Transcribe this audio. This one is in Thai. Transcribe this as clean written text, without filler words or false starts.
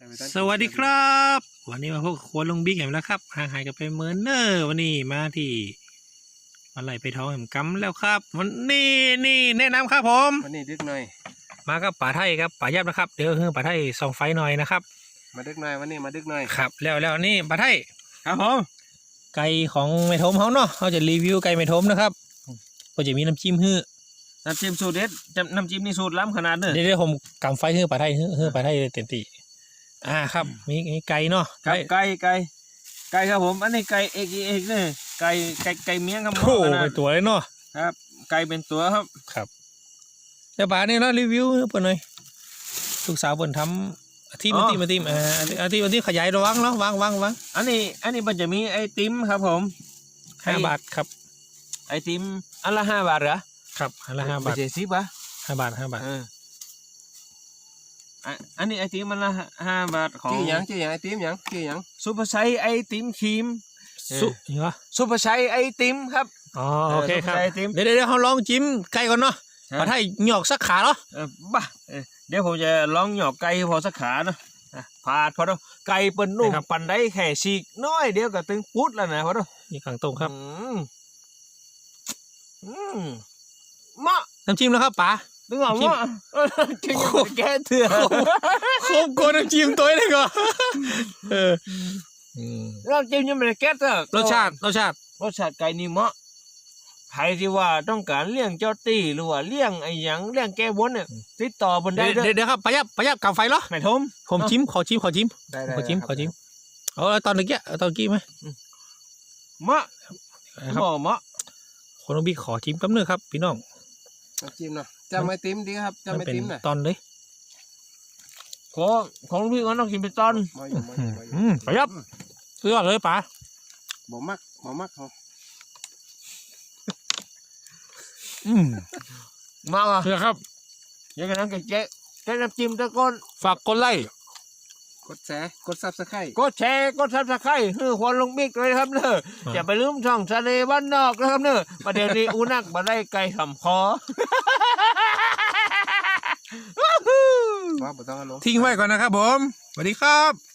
สวัสดีครับวันนี้มาพบกับครัวลุงบิ๊กแหมแล้วครับห่างหายกันไปเมินเนอร์วันนี้มาที่มาไหลไปท้องแหมกำแล้วครับวันนี้แนะนำครับผมวันนี้ดึกหน่อยมากับป่าไทยครับป่ายับนะครับเดี๋ยวคือป่าไทยส่องไฟหน่อยนะครับมาดึกหน่อยวันนี้มาดึกหน่อยครับแล้วนี่ป่าไทยครับผมไก่ของเมทมเขาเนาะเขาจะรีวิวไก่เมทมนะครับก็จะมีน้ำจิ้มฮื้อน้ำจิ้มสูตรเด็ดน้ำจิ้มนี่สูตรล้ำขนาดเนอะเดี๋ยวผมกำไฟฮื้อป่าไทยฮื้อป่าไทยเต็มที่ครับมีไก่เนาะไก่ครับผมอันนี้ไก่เอกเนี่ยไก่เมียงครับโอ้เป็นตัวเลยเนาะครับไก่เป็นตัวครับเดี๋ยวป่านี่เนาะรีวิวเปิดหน่อยลูกสาวเปิดทำอาทิตย์ขยายระวังเนาะวางอันนี้มันจะมีไอติมครับผม 5 บาทครับไอติมอันละ5 บาทเหรอครับอันละ5 บาทไม่ใช่10 ป่ะ 5 บาทอันนี้ไอติมมันละ5 บาทของชื่อยังไอติมยังซุปเปอร์ไซส์ไอติมครีมเหรอซุปเปอร์ไซส์ไอติมครับโอเคครับเดี๋ยวเขาลองจิ้มไก่ก่อนเนาะมาให้หยอกสักขาเนาะบ้าเดี๋ยวผมจะลองหยอกไก่พอสักขาเนาะพาดพอดไก่เปิ้นนุ่มปั่นได้แค่ฉีกน้อยเดียวก็ตึงปุ๊ดแล้วนะพอดนี่ขังตรงครับมะน้ำจิ้มแล้วครับป๋านึกออกมะจิ้มแก้เถื่อนโคมโกน้ำจิ้มตัวนี้ก่อนน้ำจิ้มยังไม่ได้แก้เถื่อนรสชาติไก่นี่มะใครที่ว่าต้องการเลี้ยงเจ้าตีหรือว่าเลี้ยงไอ้หยังเลี้ยงแก้บนเนี่ยติดต่อบนได้เดี๋ยวครับประยับกับไฟเหรอไม่ทมผมจิ้มขอจิ้มตอนกี้ไหมมะคนน้องบิ๊กขอจิ้มกับเนื้อครับพี่น้องจิ้มเนาะจะไม่ติ้มดีครับจะไม่ติ้มตอนเลยของพี่ก็ต้องกินเป็นตอนประยับสุดยอดเลยป๋าบ่มักเขามาอ่ะครับยังไงนั่งแกะน้ำจิ้มตะก้นฝากกดไลค์กดแชร์กดซับสไครต์คือควรลงบิ๊กเลยครับเนอะอย่าไปลืมช่องทะเลบ้านนอกนะครับเนอะประเดี๋ยวนี้อูนักมาได้ไกลทำคอทิ้งไว้ก่อนนะครับผมสวัสดีครับ